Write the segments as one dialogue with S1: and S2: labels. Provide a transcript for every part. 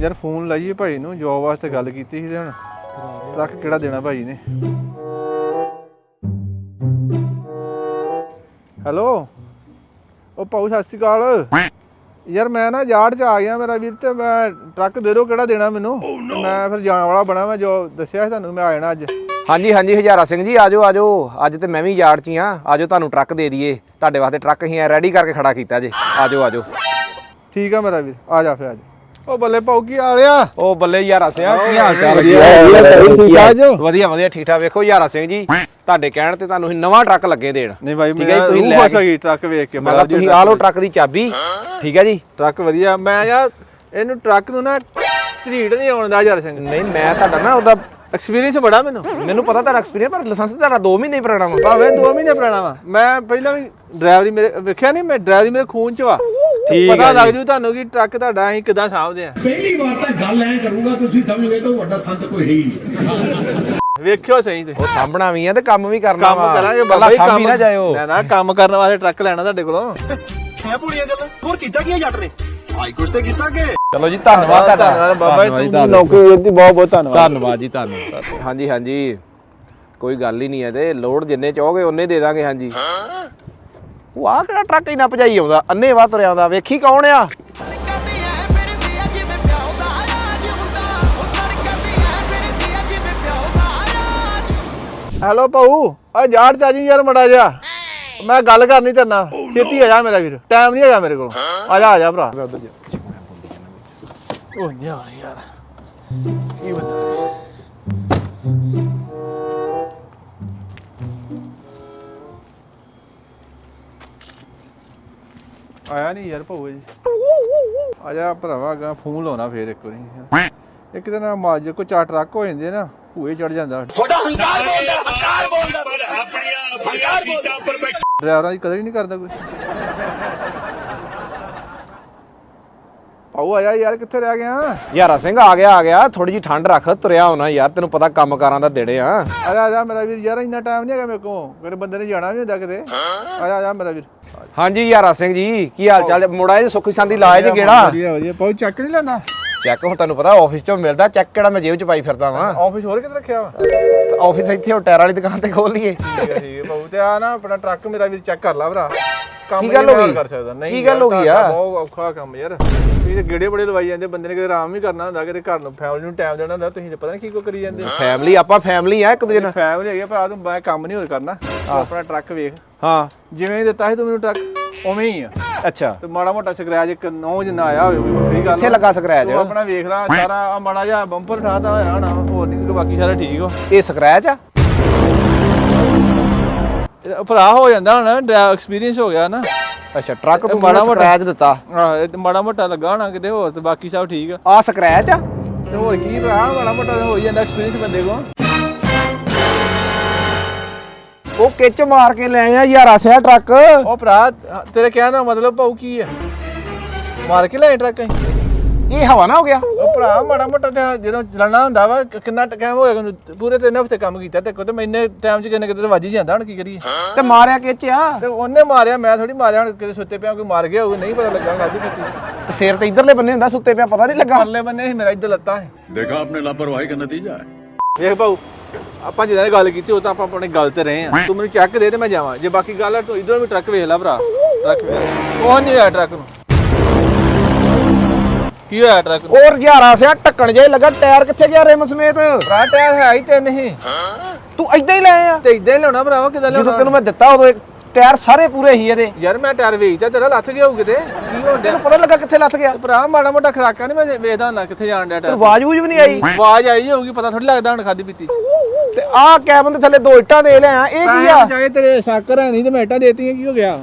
S1: ਯਾਰ ਫੋਨ ਲਾਈਏ ਭਾਈ ਨੂੰ, ਜੋਬ ਵਾਸਤੇ ਗੱਲ ਕੀਤੀ ਸੀ ਤੇ ਹੁਣ ਟਰੱਕ ਕਿਹੜਾ ਦੇਣਾ ਭਾਈ ਨੇ। ਹੈਲੋ ਉਹ ਭਾਊ ਸਤਿ ਸ਼੍ਰੀ ਅਕਾਲ। ਯਾਰ ਮੈਂ ਨਾ ਯਾਰਡ 'ਚ ਆ ਗਿਆ ਮੇਰਾ ਵੀਰ, ਤੇ ਮੈਂ ਟਰੱਕ ਦੇ ਦਿਓ ਕਿਹੜਾ ਦੇਣਾ ਮੈਨੂੰ। ਤੇ ਮੈਂ ਫਿਰ ਜਾਣ ਵਾਲਾ ਬਣਾ, ਮੈਂ ਜੋ ਦੱਸਿਆ ਸੀ ਤੁਹਾਨੂੰ ਮੈਂ ਆ ਜਾਣਾ ਅੱਜ।
S2: ਹਾਂਜੀ ਹਾਂਜੀ ਹਜ਼ਾਰਾ ਸਿੰਘ ਜੀ ਆਜੋ ਆਜੋ, ਅੱਜ ਤੇ ਮੈਂ ਵੀ ਯਾਰਡ 'ਚ ਹੀ ਹਾਂ। ਆਜੋ ਤੁਹਾਨੂੰ ਟਰੱਕ ਦੇ ਦਈਏ, ਤੁਹਾਡੇ ਵਾਸਤੇ ਟਰੱਕ ਹੀ ਰੈਡੀ ਕਰਕੇ ਖੜਾ ਕੀਤਾ ਜੇ। ਆਜੋ ਆਜੋ।
S1: ਠੀਕ ਆ ਮੇਰਾ ਵੀਰ, ਆ ਜਾ ਫਿਰ ਅੱਜ। ਉਹ ਬੱਲੇ ਭਾਊ ਕੀ ਹਾਲ ਆ?
S2: ਉਹ ਬੱਲੇ ਯਾਰਾ ਸਿੰਘ ਕੀ ਹਾਲ ਚਾਲ? ਵਧੀਆ ਵਧੀਆ ਠੀਕ ਠਾਕ। ਵੇਖੋ ਯਾਰਾ ਸਿੰਘ ਜੀ, ਤੁਹਾਡੇ ਕਹਿਣ ਤੇ ਤੁਹਾਨੂੰ ਨਵਾਂ ਟਰੱਕ ਲੱਗੇ ਦੇਣ।
S1: ਨਹੀਂ ਭਾਈ ਮੈਂ ਰੂਹ ਖੁਸ਼ ਹੋ ਗਈ ਟਰੱਕ ਵੇਖ ਕੇ।
S2: ਮੈਂ ਤੁਸੀਂ ਆ ਲਓ ਟਰੱਕ ਦੀ ਚਾਬੀ, ਠੀਕ ਹੈ ਜੀ।
S1: ਟਰੱਕ ਵਧੀਆ। ਮੈਂ ਯਾਰ ਇਹਨੂੰ ਟਰੱਕ ਨੂੰ ਨਾ ਝਰੀਟ ਨਹੀਂ ਆਉਂਦਾ ਯਾਰ ਸਿੰਘ।
S2: ਨਹੀਂ ਮੈਂ ਤੁਹਾਡਾ ਨਾ ਉਹਦਾ
S1: ਐਕਸਪੀਰੀਅੰਸ ਬੜਾ ਮੈਨੂੰ
S2: ਪਤਾ ਤੁਹਾਡਾ ਐਕਸਪੀਰੀਅੰਸ, ਪਰ ਲਾਇਸੈਂਸ ਤੁਹਾਡਾ 2 ਮਹੀਨੇ ਪੁਰਾਣਾ ਵਾ।
S1: ਭਾਵੇਂ 2 ਮਹੀਨੇ ਪੁਰਾਣਾ ਵਾ। ਮੈਂ ਪਹਿਲਾਂ ਵੀ ਡਰਾਈਵਰੀ ਮੇਰੇ ਵੇਖਿਆ ਨਹੀਂ, ਮੈਂ ਡਰਾਈਵਰੀ ਮੇਰੇ ਖੂਨ 'ਚ ਵਾ। ਪਤਾ ਲੱਗ ਜੂ ਤੁਹਾਨੂੰ ਕਿ ਟਰੱਕ ਤੁਹਾਡਾ ਅਸੀਂ ਕਿੱਦਾਂ ਸਾਂਭਦੇ ਆ।
S3: ਪਹਿਲੀ ਵਾਰ ਤਾਂ ਗੱਲ ਐ ਕਰੂੰਗਾ, ਤੁਸੀਂ ਸਮਝੋਗੇ ਤਾਂ ਵੱਡਾ ਸੰਤ ਕੋਈ ਹੈ ਹੀ ਨਹੀਂ।
S1: ਵੇਖਿਓ ਸਹੀ ਤੇ
S2: ਉਹ ਸਾਂਭਣਾ ਵੀ ਆ ਤੇ ਕੰਮ ਵੀ ਕਰਨਾ ਵਾ।
S1: ਕੰਮ ਕਰਾਂਗੇ ਬਾਬਾ ਜੀ, ਕੰਮ
S2: ਨਾ ਜਾਇਓ।
S1: ਨਾ ਕੰਮ ਕਰਨ ਵਾਸਤੇ ਟਰੱਕ ਲੈਣਾ ਤੁਹਾਡੇ ਕੋਲੋਂ।
S4: ਹੈ ਭੂਲੀਆਂ ਗੱਲਾਂ ਹੋਰ ਕੀਤਾ ਕੀ ਜੱਟ ਨੇ? ਆਈ ਕੁਛ ਤੇ ਕੀਤਾ ਕਿ।
S2: ਚਲੋ ਜੀ ਧੰਨਵਾਦ ਤੁਹਾਡਾ
S1: ਬਾਬਾ ਜੀ, ਤੂੰ ਨੌਕਰੀ ਦਿੱਤੀ, ਬਹੁਤ ਬਹੁਤ ਧੰਨਵਾਦ।
S2: ਧੰਨਵਾਦ ਜੀ ਧੰਨਵਾਦ। ਹਾਂਜੀ ਹਾਂਜੀ ਕੋਈ ਗੱਲ ਹੀ ਨਹੀਂ ਹੈ, ਤੇ ਲੋਡ ਜਿੰਨੇ ਚਾਹੋਗੇ ਉਹਨੇ ਦੇ ਦਾਂਗੇ। ਹਾਂਜੀ ਉਹ ਆਹ ਕਿਹੜਾ ਟਰੱਕ ਇੰਨਾ ਭਜਾਈ ਆਉਂਦਾ, ਅੰਨੇ ਵਾਹ ਤੁਰਿਆ ਆਉਂਦਾ। ਵੇਖੀ ਕੌਣ ਆ?
S1: ਹੈਲੋ ਭਾਊ, ਆ ਯਾਰ ਚਾਜੀ ਯਾਰ ਮੜਾ ਜਾ, ਮੈਂ ਗੱਲ ਕਰਨੀ ਤੇਰੇ ਨਾਲ। ਛੇਤੀ ਆ ਜਾ ਮੇਰਾ ਵੀਰ, ਟਾਈਮ ਨਹੀਂ ਹੈਗਾ ਮੇਰੇ ਕੋਲ। ਆ ਜਾ ਭਰਾ। ਉਹ ਯਾਰ ਯਾਰ ਕੀ ਬੰਦਾ ਆਇਆ ਨਹੀਂ ਯਾਰ ਭਾਊ ਜੀ। ਆ ਜਾ ਭਰਾਵਾ, ਗਾ ਫੋਨ ਲਾਉਣਾ ਫੇਰ ਇੱਕ ਵਾਰੀ। ਇੱਕ ਦਿਨ ਮਾਜ ਕੋ 4 ਟਰੱਕ ਹੋ ਜਾਂਦੇ ਨਾ, ਭੂਏ ਚੜ ਜਾਂਦਾ। ਡਰਾਈਵਰਾਂ ਦੀ ਕਦਰ ਹੀ ਨਹੀਂ ਕਰਦਾ ਕੋਈ। ਭਾਊ ਆਇਆ ਯਾਰ, ਕਿੱਥੇ ਰਹਿ ਗਿਆ?
S2: ਯਾਰਾ ਸਿੰਘ ਆ ਗਿਆ। ਥੋੜੀ ਜੀ ਠੰਡ ਰੱਖ, ਤੁਰਿਆ ਹੋਣਾ ਯਾਰ, ਤੈਨੂੰ ਪਤਾ ਕੰਮ ਕਾਰਾਂ ਦਾ ਦੇੜੇ ਆ।
S1: ਆ ਜਾ ਮੇਰਾ ਵੀਰ, ਯਾਰ ਇੰਨਾ ਟਾਈਮ ਨਹੀਂ ਹੈਗਾ ਮੇਰੇ ਕੋਲ, ਮੇਰੇ ਬੰਦੇ ਨੇ ਜਾਣਾ ਵੀ ਹੁੰਦਾ ਕਿਤੇ। ਆ ਜਾ ਮੇਰਾ ਵੀਰ।
S2: ਹਾਂਜੀ ਯਾਰਾ ਸਿੰਘ ਜੀ ਕੀ ਹਾਲ ਚਾਲ? ਮੁੰਡਾ ਇਹ ਸੁੱਖੀ ਸੰਦੀ ਲਾਏ ਜੀ ਗੇੜਾ।
S1: ਵਧੀਆ ਵਧੀਆ। ਭਾਊ ਚੱਕ ਨਹੀਂ ਲੈਂਦਾ?
S2: ਚੈੱਕ ਹੁਣ ਤੁਹਾਨੂੰ ਪਤਾ ਆਫਿਸ ਚੋਂ ਮਿਲਦਾ, ਚੈੱਕ ਕਿਹੜਾ ਮੈਂ ਜੇਬ ਚ ਪਾਈ ਫਿਰਦਾ ਵਾਂ।
S1: ਆਫਿਸ ਹੋਰ ਕਿਤੇ ਰੱਖਿਆ ਵਾ?
S2: ਆਫਿਸ ਇੱਥੇ ਉਹ ਟਾਇਰ ਵਾਲੀ ਦੁਕਾਨ ਤੇ ਖੋਲ ਲਈਏ।
S1: ਠੀਕ ਹੈ ਭਾਊ। ਤੇ ਆ ਨਾ ਆਪਣਾ ਟਰੱਕ ਮੇਰਾ ਵੀਰ ਚੈੱਕ ਕਰ ਲਾ ਭਰਾ। ਕੰਮ
S2: ਕੀ ਗੱਲ ਹੋ ਗਈ?
S1: ਕਰ ਸਕਦਾ ਨਹੀਂ?
S2: ਕੀ ਗੱਲ ਹੋ ਗਈ ਆ?
S1: ਬਹੁਤ ਔਖਾ ਕੰਮ ਯਾਰ। ਤੁਸੀਂ ਤੇ ਗੇੜੇ ਬੜੇ ਲਵਾਈ ਜਾਂਦੇ, ਬੰਦੇ ਨੇ ਕਿਤੇ ਆਰਾਮ ਵੀ ਕਰਨਾ ਹੁੰਦਾ, ਕਿਤੇ ਘਰ ਨੂੰ ਫੈਮਿਲੀ ਨੂੰ ਟਾਈਮ ਦੇਣਾ ਹੁੰਦਾ। ਤੁਸੀਂ ਤੇ ਪਤਾ ਨਹੀਂ ਕੀ ਕੋ ਕਰੀ ਜਾਂਦੇ।
S2: ਫੈਮਿਲੀ ਆਪਾਂ ਫੈਮਿਲੀ ਆ ਇੱਕ ਦੂਜੇ ਨਾਲ।
S1: ਫੈਮਿਲੀ ਹੈਗੀ ਭਰਾ, ਤੂੰ ਮੈਂ ਕੰਮ ਨਹੀਂ ਹੋਰ ਕਰਨਾ। ਤੂੰ ਆਪਣਾ ਟਰੱਕ ਵੇਖ,
S2: ਹਾਂ
S1: ਜਿਵੇਂ ਦਿੱਤਾ ਸੀ ਤੂੰ ਮੈਨੂੰ ਟਰੱਕ ਉਵੇਂ ਹੀ ਆ।
S2: ਅੱਛਾ
S1: ਤੇ ਮਾੜਾ ਮੋਟਾ ਸਕ੍ਰੈਚ ਇੱਕ 9 ਜਿੰਨਾ ਆਇਆ ਹੋਵੇ ਕੋਈ ਵੱਖਰੀ ਗੱਲ।
S2: ਕਿੱਥੇ ਲੱਗਾ ਸਕ੍ਰੈਚ?
S1: ਤੂੰ ਆਪਣਾ ਵੇਖ ਲੈ ਸਾਰਾ। ਆ ਮਾੜਾ ਜਿਹਾ ਬੰਪਰ ਠਾਤਾ ਹੋਇਆ ਹੋਣਾ, ਹੋਰ ਨਹੀਂ, ਬਾਕੀ ਸਾਰਾ ਠੀਕ ਵਾ।
S2: ਇਹ ਸਕ੍ਰੈਚ ਆ?
S1: ਭਰਾ ਹੋ ਜਾਂਦਾ ਹੁਣ, ਡਰਾਈਵ ਐਕਸਪੀਰੀਅੰਸ ਹੋ ਗਿਆ ਨਾ।
S2: ਅੱਛਾ ਟਰੱਕ ਤੂੰ
S1: ਮਾੜਾ ਮੋਟਾ
S2: ਸਕ੍ਰੈਚ ਦਿੱਤਾ?
S1: ਹਾਂ ਇਹ ਮਾੜਾ ਮੋਟਾ ਲੱਗਾ ਹੋਣਾ ਕਿਤੇ, ਹੋਰ ਤੇ ਬਾਕੀ ਸਭ ਠੀਕ ਆ।
S2: ਆ ਸਕ੍ਰੈਚ ਆ?
S1: ਤੇ ਹੋਰ ਕੀ ਭਰਾ, ਮਾੜਾ ਮੋਟਾ ਹੋ ਹੀ ਜਾਂਦਾ ਐਕਸਪੀਰੀਅੰਸ ਬੰਦੇ ਕੋਲ।
S2: ਉਹ ਕਿੱਚ ਮਾਰ ਕੇ ਲੈ ਆ ਯਾਰਾ ਸਿਆ ਟਰੱਕ।
S1: ਉਹ ਭਰਾ ਤੇਰੇ ਕਹਿਣ ਦਾ ਮਤਲਬ ਭਾਊ ਕੀ ਆ? ਮਾਰ ਕੇ ਲੈ ਟਰੱਕ ਅਸੀਂ?
S2: ਇਹ ਹਵਾ ਨਾ ਹੋ ਗਿਆ?
S1: ਉਹ ਭਰਾ ਮਾੜਾ ਮੋਟਾ ਤੇ ਜਦੋਂ ਚਲਾਉਣਾ ਹੁੰਦਾ ਵਾ, ਕਿੰਨਾ ਟਾਈਮ ਹੋਇਆ ਪੂਰੇ 3 ਹਫ਼ਤੇ ਕੰਮ ਕੀਤਾ ਤੇ ਕੋ, ਤੇ ਮੈਨੇ ਟਾਈਮ ਚ ਕਿੰਨੇ ਕਿਤੇ ਵੱਜ ਹੀ ਜਾਂਦਾ। ਹੁਣ ਕੀ ਕਰੀਏ?
S2: ਤੇ ਮਾਰਿਆ ਕਿੱਚ ਆ?
S1: ਤੇ ਉਹਨੇ ਮਾਰਿਆ, ਮੈਂ ਥੋੜੀ ਮਾਰਿਆ। ਹੁਣ ਕਿਤੇ ਸੁੱਤੇ ਪਿਆ ਕੋਈ ਮਾਰ ਗਿਆ ਹੋਊ, ਨਹੀਂ ਪਤਾ ਲੱਗਾ ਖਾਦੀ ਪੀਤੀ।
S2: ਤੇ ਸਿਰ ਤੇ ਇਧਰਲੇ ਬੰਨੇ ਹੁੰਦਾ, ਸੁੱਤੇ ਪਿਆ ਪਤਾ ਨਹੀਂ ਲੱਗਾ।
S1: ਪਰਲੇ ਬੰਨੇ ਸੀ ਮੇਰਾ, ਇੱਧਰ ਲੱਤਾਂ ਸੀ।
S4: देखा आपने लापरवाही का नतीजा है।
S1: ਵੇਖ ਭਾਊ, ਆਪਾਂ ਜਿਹਨਾਂ ਗੱਲ ਕੀਤੀ ਉਹ ਤਾਂ ਆਪਾਂ ਆਪਣੀ ਗੱਲ ਤੇ ਰਹੇ ਆ। ਤੂੰ ਮੈਨੂੰ ਚੈੱਕ ਦੇ ਤੇ ਮੈਂ ਜਾਵਾਂ। ਜੇ ਬਾਕੀ ਗੱਲ ਆ ਤੂੰ ਇਧਰੋਂ ਵੀ ਟਰੱਕ ਵੇਖ ਲੈ ਭਰਾ। ਟਰੱਕ ਵੇਖ, ਉਹ ਨਹੀਂ ਹੋਇਆ ਟਰੱਕ ਨੂੰ। ਕੀ ਹੋਇਆ ਟਰੱਕ ਨੂੰ?
S2: ਔਰ ਯਾਰਾ ਸਿਆ ਢੱਕਣ ਜੇ ਲੱਗਾ, ਟਾਇਰ ਕਿੱਥੇ ਗਿਆ ਰਿਮ ਸਮੇਤ?
S1: ਭਰਾ ਟਾਇਰ ਹੈ ਹੀ 3 ਹੀ।
S2: ਤੂੰ ਏਦਾਂ ਹੀ ਲੈ ਆ?
S1: ਤੇ ਇਦਾਂ ਹੀ ਲਿਆਉਣਾ ਭਰਾਵਾ, ਕਿਦਾਂ
S2: ਜਦੋਂ
S1: ਲਿਆਉਣਾ?
S2: ਤੈਨੂੰ ਮੈਂ ਦਿੱਤਾ ਉਦੋਂ ਟਾਇਰ ਸਾਰੇ ਪੂਰੇ ਹੀ ਇਹਦੇ।
S1: ਯਾਰ ਮੈਂ ਟਾਇਰ ਵੇਚਦਾ, ਤੇਰਾ ਲੱਥ ਗਿਆ ਹੋਊ ਕਿਤੇ। ਕੀ ਹੋਣ ਡਿਆ?
S2: ਤੈਨੂੰ ਪਤਾ ਲੱਗਾ ਕਿੱਥੇ ਲੱਥ ਗਿਆ?
S1: ਭਰਾ ਮਾੜਾ ਮੋਟਾ ਖਰਾਕਾ ਨਹੀਂ ਮੈਂ ਵੇਖਦਾ ਹੁੰਦਾ ਕਿੱਥੇ ਜਾਣ ਡਿਆ ਟਾਇਰ।
S2: ਆਵਾਜ਼ ਵੂਜ ਵੀ ਨਹੀਂ ਆਈ?
S1: ਆਵਾਜ਼ ਆਈ ਹੋਊਗੀ, ਪਤਾ ਥੋੜੀ ਲੱਗਦਾ ਹੁਣ ਖਾਦੀ ਪੀਤੀ ਚ।
S2: ਤੇ ਆਹ ਕੈਬਨ ਦੇ ਥੱਲੇ 2 ਇੱਟਾਂ ਦੇ ਲਿਆ, ਇਹ ਕੀ ਆ?
S1: ਚਾਹੇ ਤੇਰੇ ਸ਼ੱਕਰ ਹੈ ਨਹੀਂ ਤੇ ਮੈਂ ਇੱਟਾਂ ਦੇਤੀਆਂ, ਕੀ ਹੋ ਗਿਆ?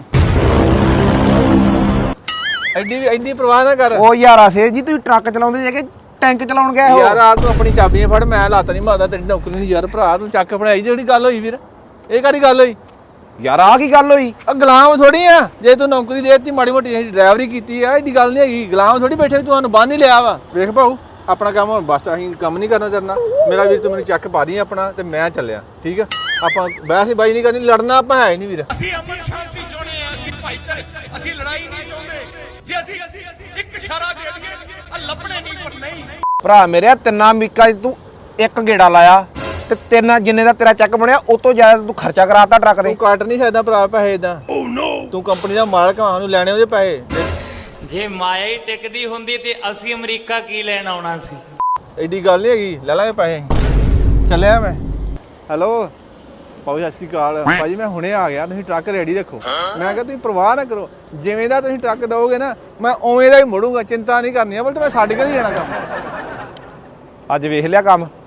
S1: ਐਡੀ ਪਰਵਾਹ ਨਾ ਕਰ।
S2: ਉਹ ਯਾਰਾ ਸੇ ਜੀ ਤੁਸੀਂ ਟਰੱਕ ਚਲਾਉਂਦੇ ਜੇ ਕਿ ਟੈਂਕ ਚਲਾਉਣ ਗਏ ਹੋ?
S1: ਯਾਰ ਆ ਤੂੰ ਆਪਣੀ ਚਾਬੀਆਂ ਫੜ, ਮੈਂ ਲੱਤ ਨਹੀਂ ਮਾਰਦਾ, ਤੇਰੀ ਨੌਕਰੀ ਨਹੀਂ। ਯਾਰ ਭਰਾ ਤੂੰ ਚੱਕ ਫੜਾਈ, ਜਿਹੜੀ ਗੱਲ ਹੋਈ ਵੀਰ, ਇਹ ਕਾਹਦੀ ਗੱਲ ਹੋਈ?
S2: ਯਾਰ ਆ ਕੀ ਗੱਲ ਹੋਈ?
S1: ਆ ਗੁਲਾਮ ਥੋੜੀ ਆ, ਜੇ ਤੂੰ ਨੌਕਰੀ ਦੇਤੀ ਮਾੜੀ ਮੋਟੀ ਡਰਾਈਵਰੀ ਕੀਤੀ ਆ, ਐਡੀ ਗੱਲ ਨਹੀਂ ਹੈਗੀ। ਗੁਲਾਮ ਥੋੜੀ ਬੈਠੇ ਤੁਹਾਨੂੰ ਬੰਨ ਹੀ ਲਿਆ ਵਾ। ਵੇਖ ਭਾਊ ਆਪਣਾ ਕੰਮ ਹੁਣ ਬਸ, ਅਸੀਂ ਕੰਮ ਨਹੀਂ ਕਰਨਾ ਤੇਰੇ ਨਾਲ। ਮੇਰਾ ਵੀਰ ਤੂੰ ਮੈਨੂੰ ਚੱਕ ਪਾ ਰਹੀ ਆਪਣਾ, ਤੇ ਮੈਂ ਚੱਲਿਆ। ਠੀਕ ਆ, ਆਪਾਂ ਵੈਸੇ ਬਾਈ ਨਹੀਂ ਕਰਨੀ, ਲੜਨਾ ਆਪਾਂ ਹੈ ਹੀ ਨਹੀਂ ਵੀਰ।
S5: ਅਸੀਂ ਅਮਨ ਸ਼ਾਂਤੀ ਚਾਹੁੰਦੇ ਆ, ਅਸੀਂ ਭਾਈਚਾਰੇ, ਅਸੀਂ ਲੜਾਈ ਨਹੀਂ ਚਾਹੁੰਦੇ। ਜੇ ਅਸੀਂ ਇੱਕ ਇਸ਼ਾਰਾ ਦੇ ਦਈਏ
S2: ਭਰਾ ਮੇਰੇ ਤਿੰਨਾਂ ਮੀਕਾਂ 'ਚ ਤੂੰ ਇੱਕ ਗੇੜਾ ਲਾਇਆ ਤੇ ਤਿੰਨ ਜਿੰਨੇ ਦਾ ਤੇਰਾ ਚੈੱਕ ਬਣਿਆ ਉਹ ਤੋਂ ਜ਼ਿਆਦਾ ਤੂੰ ਖਰਚਾ ਕਰਾਤਾ ਟਰੱਕ ਦੇ।
S1: ਤੂੰ ਕੱਟ ਨਹੀਂ ਸਕਦਾ ਭਰਾ ਪੈਸੇ ਇਦਾਂ। ਤੂੰ ਕੰਪਨੀ ਦਾ ਮਾਲਕ ਆ, ਨੂੰ ਲੈਣੇ ਉਹਦੇ ਪੈਸੇ।
S5: ਜੇ ਮਾਇਆ ਹੀ ਟਿਕਦੀ ਹੁੰਦੀ ਤੇ ਅਸੀਂ ਅਮਰੀਕਾ ਕੀ ਲੈਣ ਆਉਣਾ ਸੀ।
S1: ਐਡੀ ਗੱਲ ਨਹੀਂ ਹੈਗੀ, ਲੈ ਲਾਂਗੇ ਪੈਸੇ ਅਸੀਂ। ਚੱਲਿਆ ਮੈਂ। ਹੈਲੋ ਭਾਜੀ ਸਤਿ ਸ਼੍ਰੀ ਅਕਾਲ। ਭਾਜੀ ਮੈਂ ਹੁਣੇ ਆ ਗਿਆ, ਤੁਸੀਂ ਟਰੱਕ ਰੈਡੀ ਰੱਖੋ। ਮੈਂ ਕਿਹਾ ਤੁਸੀਂ ਪਰਵਾਹ ਨਾ ਕਰੋ, ਜਿਵੇਂ ਦਾ ਤੁਸੀਂ ਟਰੱਕ ਦਿਓਗੇ ਨਾ ਮੈਂ ਉਵੇਂ ਦਾ ਹੀ ਮੁੜੂੰਗਾ, ਚਿੰਤਾ ਨਹੀਂ ਕਰਨੀ। ਬਲ ਤੇ ਮੈਂ ਛੱਡ ਕੇ ਨਹੀਂ ਜਾਣਾ ਕੰਮ।
S2: ਅੱਜ ਵੇਖ ਲਿਆ ਕੰਮ।